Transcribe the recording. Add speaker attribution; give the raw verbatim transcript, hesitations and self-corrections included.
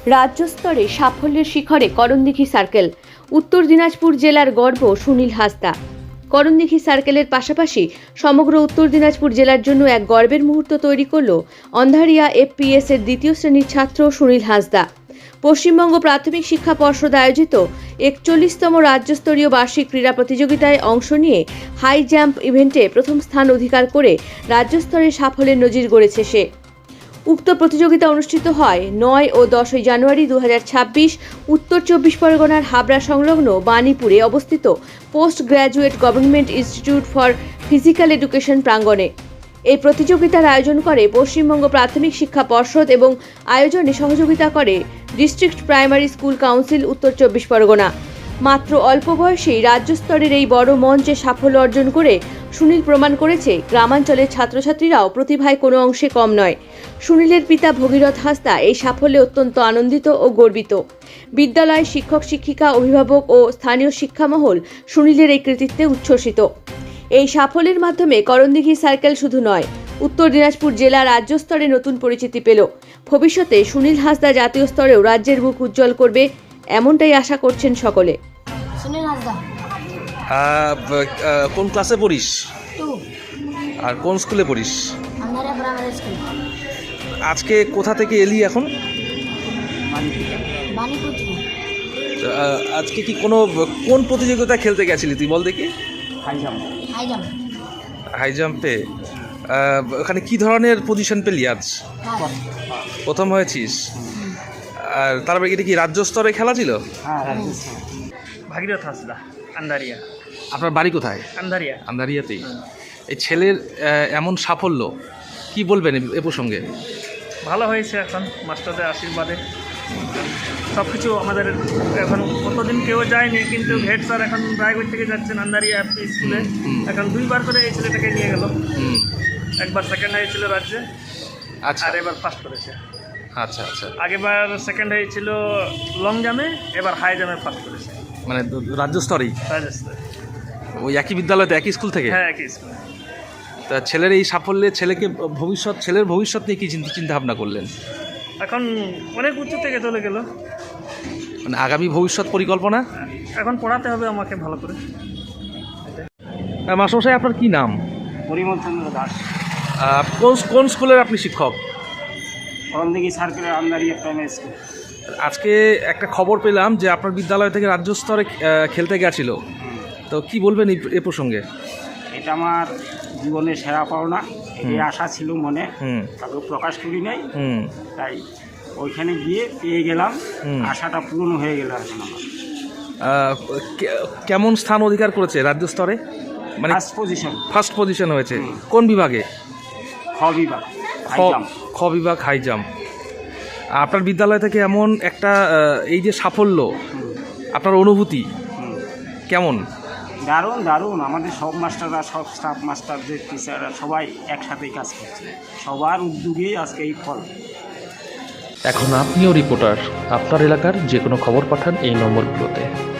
Speaker 1: রাজ্য স্তরে সাফল্যের শিখরে করণদিঘি সার্কেল। উত্তর দিনাজপুর জেলার গর্ব সুনীল হাসদা। করণদিঘি সার্কেলের পাশাপাশি সমগ্র উত্তর দিনাজপুর জেলার জন্য এক গর্বের মুহূর্ত তৈরি করল অন্ধারিয়া এফপিএস এর দ্বিতীয় শ্রেণীর ছাত্র সুনীল হাসদা। পশ্চিমবঙ্গ প্রাথমিক শিক্ষা পর্ষদ আয়োজিত একচল্লিশতম রাজ্যস্তরীয় বার্ষিক ক্রীড়া প্রতিযোগিতায় অংশ নিয়ে হাই জাম্প ইভেন্টে প্রথম স্থান অধিকার করে রাজ্যস্তরে সাফল্যের নজির গড়েছে সে। উক্ত প্রতিযোগিতা অনুষ্ঠিত হয় নয় ও দশই জানুয়ারি দু হাজার ছাব্বিশ উত্তর চব্বিশ পরগনার হাবড়া সংলগ্ন বাণীপুরে অবস্থিত post graduate government institute for physical education প্রাঙ্গণে। এই প্রতিযোগিতার আয়োজন করে পশ্চিমবঙ্গ প্রাথমিক শিক্ষা পর্ষদ এবং আয়োজনে সহযোগিতা করে ডিস্ট্রিক্ট প্রাইমারি স্কুল কাউন্সিল উত্তর চব্বিশ পরগনা। মাত্র অল্প বয়সেই রাজ্য স্তরের এই বড় মঞ্চে সাফল্য অর্জন করে সুনীল প্রমাণ করেছে গ্রামাঞ্চলের ছাত্রছাত্রীরাও প্রতিভায় কোনো অংশে কম নয়। সুনীলের পিতা ভগীরথ হাসদা এই সাফল্যে অত্যন্ত আনন্দিত ও গর্বিত। বিদ্যালয় শিক্ষক শিক্ষিকা অভিভাবক ও স্থানীয় শিক্ষামহল সুনীলের এই কৃতিত্বে উচ্ছ্বসিত। এই সাফল্যের মাধ্যমে করণদিঘি সার্কেল শুধু নয়, উত্তর দিনাজপুর জেলা রাজ্য স্তরে নতুন পরিচিতি পেল। ভবিষ্যতে সুনীল হাসদা জাতীয় স্তরেও রাজ্যের মুখ উজ্জ্বল করবে, এমনটাই আশা করছেন সকলে।
Speaker 2: সুনীল হাসদা।
Speaker 3: কোন ক্লাসে পড়িস
Speaker 2: টু।
Speaker 3: আর কোন স্কুলে পড়িস?
Speaker 2: Andharia primary school.
Speaker 3: আজকে কোথা থেকে এলি এখন?
Speaker 2: বাণীপুর থেকে।
Speaker 3: আহ, আজকে কি কোনো কোন প্রতিযোগিতা খেলতে গেছিলি তুই বল দেখি?
Speaker 2: High jump. High jump.
Speaker 3: High জাম্পে আহ, ওখানে কি ধরনের পজিশন পেলি আজ? প্রথম হয়েছিস? আর তারপরে এটা কি রাজ্য স্তরে খেলা ছিল?
Speaker 2: হ্যাঁ, রাজ্য স্তরে।
Speaker 4: ভাগীরথ হাসদা, আন্দারিয়া।
Speaker 3: আপনার বাড়ি কোথায়?
Speaker 4: আন্দারিয়া।
Speaker 3: আন্দারিয়াতেই। এই ছেলের আহ, এমন সাফল্য কি বলবেন এ- এ প্রসঙ্গে?
Speaker 4: ভালো হয়েছে এখন মাস্টারদের আশীর্বাদে। সব কিছু আমাদের এখন কতদিন কেউ যায়নি, কিন্তু হেড স্যার এখন রায়গঞ্জ থেকে যাচ্ছেন আন্দারিয়া এফপি স্কুলে। এখন দুইবার করে এই ছেলেটাকে নিয়ে গেল।
Speaker 3: হুম,
Speaker 4: একবার সেকেন্ড হয়েছিল রাজ্যে,
Speaker 3: আচ্ছা
Speaker 4: আর এবার ফার্স্ট করেছে।
Speaker 3: আচ্ছা আচ্ছা
Speaker 4: আগেবার সেকেন্ড হয়েছিল লং জামে, এবার হাই জামে ফার্স্ট করেছে
Speaker 3: মানে রাজ্য স্তরেই
Speaker 4: রাজস্থানে।
Speaker 3: ওই একই বিদ্যালয়তে একই স্কুল থেকে?
Speaker 4: হ্যাঁ, একই স্কুলে।
Speaker 3: তা ছেলের এই সাফল্যে ছেলেকে ভবিষ্যৎ ছেলের ভবিষ্যৎ নিয়ে কি চিন্তা চিন্তা ভাবনা করলেন?
Speaker 4: এখন অনেক উঁচু থেকে চলে গেল।
Speaker 3: মানে আগামী ভবিষ্যৎ পরিকল্পনা?
Speaker 4: এখন পড়াতে হবে আমাকে ভালো করে।
Speaker 3: মাস্টারমশাই আপনার কি নাম?
Speaker 5: পরিমল চন্দ্র দাস।
Speaker 3: আহ, কোন কোন স্কুলের আপনি শিক্ষক?
Speaker 5: করণদিঘি সার্কেলের আন্দারিয়া প্রাইমারি স্কুল।
Speaker 3: আজকে একটা খবর পেলাম যে আপনার বিদ্যালয় থেকে রাজ্য স্তরে আহ, খেলতে গেছিল, তো কি বলবেন এই- এ প্রসঙ্গে?
Speaker 5: এটা আমার জীবনের সেরা পাওনা। এই আশা ছিল মনে,
Speaker 3: হুম
Speaker 5: কাউকে প্রকাশ করি নাই।
Speaker 3: হুম
Speaker 5: তাই ওইখানে গিয়ে পেয়ে গেলাম,
Speaker 3: হুম।
Speaker 5: আশাটা পূরণ হয়ে গেল এখন আমার।
Speaker 3: আহ, কে- কেমন স্থান অধিকার করেছে রাজ্য স্তরে? মানে
Speaker 5: ফার্স্ট পজিশন,
Speaker 3: ফার্স্ট পজিশন হয়েছে কোন বিভাগে?
Speaker 5: খ বিভাগ, হাই
Speaker 3: খ-
Speaker 5: জাম্প।
Speaker 3: খ বিভাগ হাই জাম্প। আপনার বিদ্যালয় থেকে এমন একটা আহ, এই যে সাফল্য, আপনার অনুভূতি
Speaker 5: হুম।
Speaker 3: কেমন?
Speaker 5: দারুণ দারুণ। আমাদের সব মাস্টাররা, সব স্টাফ মাস্টারদের টিচাররা সবাই একসাথেই কাজ করছে, সবার উদ্যোগেই আজকে এই ফল।
Speaker 6: এখন আপনিও রিপোর্টার, আপনার এলাকার যে কোনো খবর পাঠান এই নম্বরগুলোতে।